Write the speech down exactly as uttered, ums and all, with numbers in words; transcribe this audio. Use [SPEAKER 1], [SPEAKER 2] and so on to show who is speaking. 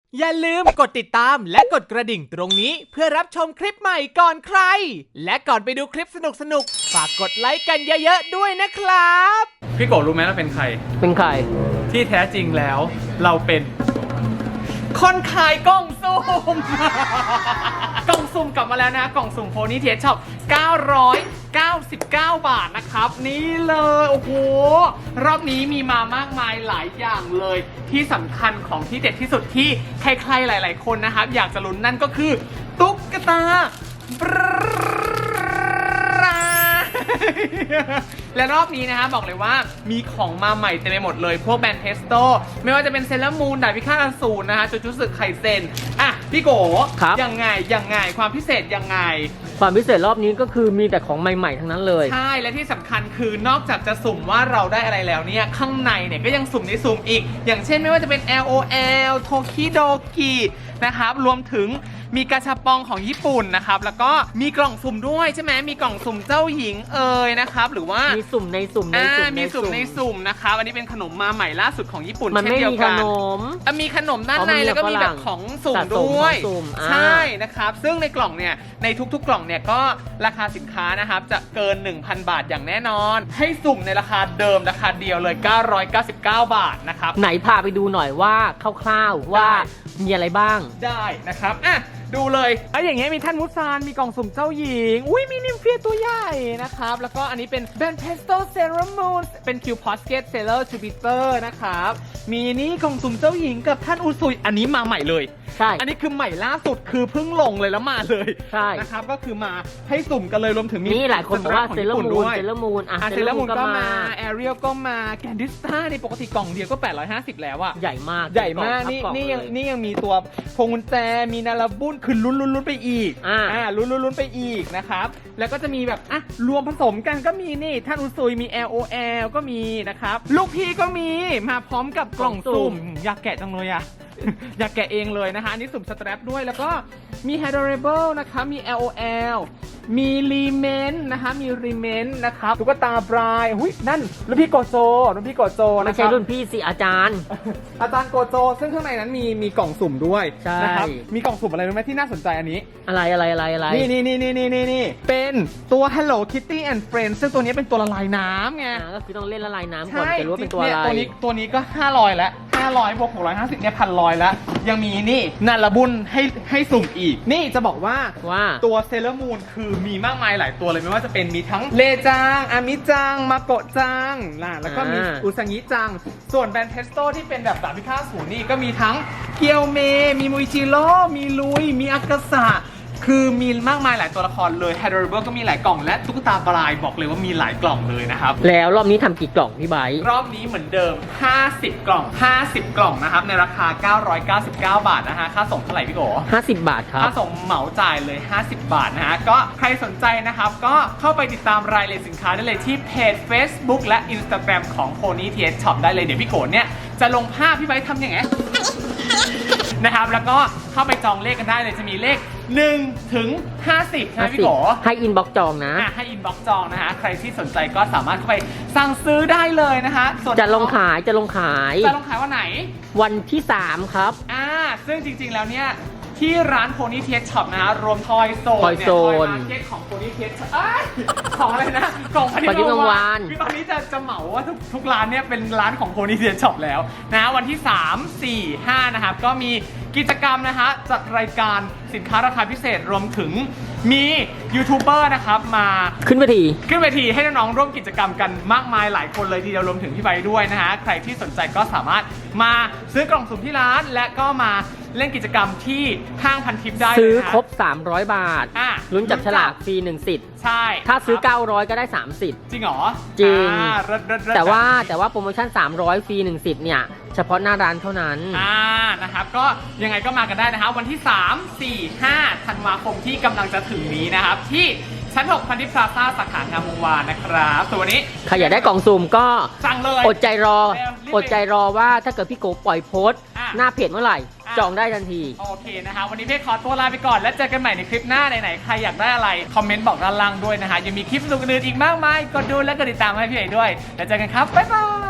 [SPEAKER 1] อย่าลืมกดติดตามและกดกระดิ่งตรงนี้เพื่อรับชมคลิปใหม่ก่อนใครและก่อนไปดูคลิปสนุกๆฝากกดไลค์กันเยอะๆด้วยนะครับพี่โกรู้ไหมเราเป็นใคร
[SPEAKER 2] เป็นใคร
[SPEAKER 1] ที่แท้จริงแล้วเราเป็นคนขายกล่องสุ่ม กล่องสุ่มกลับมาแล้วนะกล่องสุ่มโพนี่เทสช็อปเก้าร้อยเก้าสิบเก้าบาทนะครับนี่เลยโอ้โหรอบนี้มีมามากมายหลายอย่างเลยที่สำคัญของที่เด็ดที่สุดที่ใครๆหลายๆคนนะครับอยากจะลุ้นนั่นก็คือตุ๊กตาและรอบนี้นะฮะบอกเลยว่ามีของมาใหม่เต็มไปหมดเลยพวกแบรนด์เทสโตไม่ว่าจะเป็นเซเลอร์มูนดาบพิฆาตอสูรนะฮะจูจูสึไคเซนอ่ะพี่โกยังไงยังไงความพิเศษยังไง
[SPEAKER 2] ความพิเศษรอบนี้ก็คือมีแต่ของใหม่ๆทั้งนั้นเลย
[SPEAKER 1] ใช่และที่สำคัญคือนอกจากจะสุ่มว่าเราได้อะไรแล้วเนี่ยข้างในเนี่ยก็ยังสุ่มในสุ่มอีกอย่างเช่นไม่ว่าจะเป็น แอล โอ แอล โทคิโดกินะครับรวมถึงมีกาชาปองของญี่ปุ่นนะครับแล้วก็มีกล่องสุ่มด้วยใช่ไหมมีกล่องสุ่มเจ้าหญิงเอ่ยนะครับหรือว่า
[SPEAKER 2] มีสุ่มในสุ่มในสุ่ม
[SPEAKER 1] มีสุ่มในสุ่มนะครับอันนี้เป็นขนมมาใหม่ล่าสุดของญี่ปุ่น
[SPEAKER 2] มันไม่มีขนม
[SPEAKER 1] มีขนมด้านในแล้วก็มีแบบของสุ่มด้วยใช่นะครับซึ่งในกล่องเนี่ยในทุกๆกล่องเนี่ยก็ราคาสินค้านะครับจะเกิน หนึ่งพัน บาทอย่างแน่นอนให้สุ่มในราคาเดิมราคาเดียวเลยเก้าร้อยเก้าสิบเก้าบาทนะครับ
[SPEAKER 2] ไหนพาไปดูหน่อยว่าคร่าวๆว่ามีอะไรบ้าง
[SPEAKER 1] ได้นะครับอ่ะดูเลยไอ้อย่างเงี้ยมีท่านมุซานมีกล่องสุ่มเจ้าหญิงอุ้ยมีนิมเฟียตัวใหญ่นะครับแล้วก็อันนี้เป็นแบนเพสโตเซรามูนเป็นคิวพอสเกตเซเลอร์จูปิเตอร์นะครับมีนี่กล่องสุ่มเจ้าหญิงกับท่านอุซุยอันนี้มาใหม่เลย
[SPEAKER 2] ใช่
[SPEAKER 1] อันนี้คือใหม่ล่าสุดคือเพิ่งลงเลยแล้วมาเลย
[SPEAKER 2] ใช่
[SPEAKER 1] นะครับก็คือมาให้สุ่มกันเลยรวมถึง
[SPEAKER 2] นี่หลายคนบอกว่าเซเลอร์มูนเซเลอร์มูนอ่ะ
[SPEAKER 1] เซเลอร์มูนก็มาแอเรียลก็มาแกนดิสตาในปกติกล่องเดียวก็แปดร้อยห้าสิบแล้วอะ
[SPEAKER 2] ใหญ่มาก
[SPEAKER 1] ใหญ่มากนี่นี่ยังนี่ยังมีตัวพวงกุญแจมีนาราบุ้นคือลุ้นลุ้นลุ้นไปอีก
[SPEAKER 2] อ่า
[SPEAKER 1] อ่าลุ้นลุ้นลุ้นไปอีกนะครับแล้วก็จะมีแบบอ่ะรวมผสมกันก็มีนี่ท่านอุซุยมี แอล โอ แอล ก็มีนะครับลูกพี่ก็มีมาพร้อมกับกล่องสุ่มอยากแกะจังเลยอะอยากแกะเองเลยนะคะอันนี้สุ่มสแตรปด้วยแล้วก็มี Adorable นะคะมี แอล โอ แอล มีรีเมนนะคะมีรีเมนนะครับตุ๊กตาบรายหุ้ยนั่นรุ่นพี่โกโจรุ่นพี่โกโจนะครับ
[SPEAKER 2] ไม่ใช่รุ่นพี่สิอาจารย์
[SPEAKER 1] อาจารย์โกโจซึ่งข้างในนั้นมีมีกล่องสุ่มด้วยนะครับมีกล่องสุ่มอะไรรู้ไหมที่น่าสนใจอันนี้
[SPEAKER 2] อะไรอะไรอะไรอะไร
[SPEAKER 1] นี่นี่นี่นี่นี่นี่เป็นตัว Hello Kitty and Friends ซึ่งตัวนี้เป็นตัวละลายน้ำไง
[SPEAKER 2] ก็คือต้องเล่นละลายน้ำก่อนจะรู้ว่าเป็นตัวอะไร
[SPEAKER 1] ตัวนี้ตัวนี้ก็ห้าร้อยแล้วห้าร้อยบวกหกร้อยห้าสิบเนี่ยพันร้อยแล้วยังมีนี่นาราบุญให้ให้สุ่มอีกนี่จะบอกว่า
[SPEAKER 2] ว่า
[SPEAKER 1] ตัวเซเลอร์มูนคือมีมากมายหลายตัวเลยไม่ว่าจะเป็นมีทั้งเลจังอามิจังมาโกะจังล่ะแล้วก็มีอุซังิจังส่วนแบรนด์เทสโตที่เป็นแบบดาบพิฆาตอสูรนี่ก็มีทั้งเกียวเมมีมุยจิโร่มีลุยมีอากาสะคือมีมากมายหลายตัวละครเลย Adorable ก็มีหลายกล่องและตุ๊กตาปลายบอกเลยว่ามีหลายกล่องเลยนะครับ
[SPEAKER 2] แล้วรอบนี้ทำกี่กล่องพี่ไบร์ท
[SPEAKER 1] รอบนี้เหมือนเดิมห้าสิบกล่องห้าสิบกล่องนะครับในราคาเก้าร้อยเก้าสิบเก้าบาทนะฮะค่าส่งเท่าไหร่พี่โก
[SPEAKER 2] ห้าสิบบาทครับ
[SPEAKER 1] ค่าส่งเหมาจ่ายเลยห้าสิบบาทนะฮะก็ใครสนใจนะครับก็เข้าไปติดตามรายละเอียดสินค้าได้เลยที่เพจ Facebook และ Instagram ของ Pony ที เอส Shop ได้เลยเดี๋ยวพี่โกเนี่ยจะลงภาพพี่ไบร์ททำยังไงนะครับแล้วก็เข้าไปจองเลขกันได้เลยจะมีเลขหนึ่งถึงห้าสิบใช่ไหมพี่โก
[SPEAKER 2] ให้อินบ็อกซ์จองนะ
[SPEAKER 1] ให้อินบ็อกซ์จองนะฮะใครที่สนใจก็สามารถเข้าไปสั่งซื้อได้เลยนะฮะ
[SPEAKER 2] จะลงขายจะลงขาย
[SPEAKER 1] จะลงขายวันไหน
[SPEAKER 2] วันที่สามครับ
[SPEAKER 1] อ่าซึ่งจริงๆแล้วเนี่ยที่ร้าน Pony ที เอส Shop นะฮะรวมทอยโซนเนี่ยทอยมาร์เก็ตของ Pony ที เอส ของอะไรนะของพนิชวานคือตอนนี้จะจะเหมาว่าทุกทุกร้านเนี่ยเป็นร้านของ Pony ที เอส Shop แล้วนะวันที่สาม สี่ ห้านะครับก็มีกิจกรรมนะฮะจัดรายการสินค้าราคาพิเศษรวมถึงมียูทูบเบอร์นะครับมา
[SPEAKER 2] ขึ้นเวที
[SPEAKER 1] ขึ้นเวทีให้น้องๆร่วมกิจกรรมกันมากมายหลายคนเลยทีเดียวรวมถึงพี่ใบด้วยนะฮะใครที่สนใจก็สามารถมาซื้อกล่องสุ่มที่ร้านและก็มาเล่นกิจกรรมที่ห้างพันทิปได้
[SPEAKER 2] ซื้อครบสามร้อยบาทลุ้นจับฉลากฟรีหนึ่งสิทธิ์
[SPEAKER 1] ใช่
[SPEAKER 2] ถ้าซื้อเก้าร้อยก็ได้สามสิทธิ์
[SPEAKER 1] จริงเหรอ
[SPEAKER 2] จริงแต่ว่าแต่ว่าโปรโมชั่นสามร้อยฟรีหนึ่งสิทธิ์เนี่ยเฉพาะหน้าร้านเท่านั้น
[SPEAKER 1] อ่านะครับก็ยังไงก็มากันได้นะครับวันที่สาม สี่ ห้าธันวาคมที่กำลังจะถึงนี้นะครับที่ชั้นหกพันทิพย์พลาซ่าสาขางามวงวานนะครับส่วนวันนี้
[SPEAKER 2] ใครอยากได้กล่องสุ่มก็
[SPEAKER 1] สั่งเลย
[SPEAKER 2] อดใจรออดใจรอว่าถ้าเกิดพี่โกปล่อยโพสต์หน้าเพจเมื่อไหร่จองได้ทันที
[SPEAKER 1] โอเคนะคะวันนี้เพจขอตัวลาไปก่อนแล้วเจอกันใหม่ในคลิปหน้าไหนๆใครอยากได้อะไรคอมเมนต์บอกด้านล่างด้วยนะคะยังมีคลิปสนุกอื่นอีกมากมายกดดูและกดติดตามให้พี่เอ๋ด้วยแล้วเจอกันครับบ๊ายบาย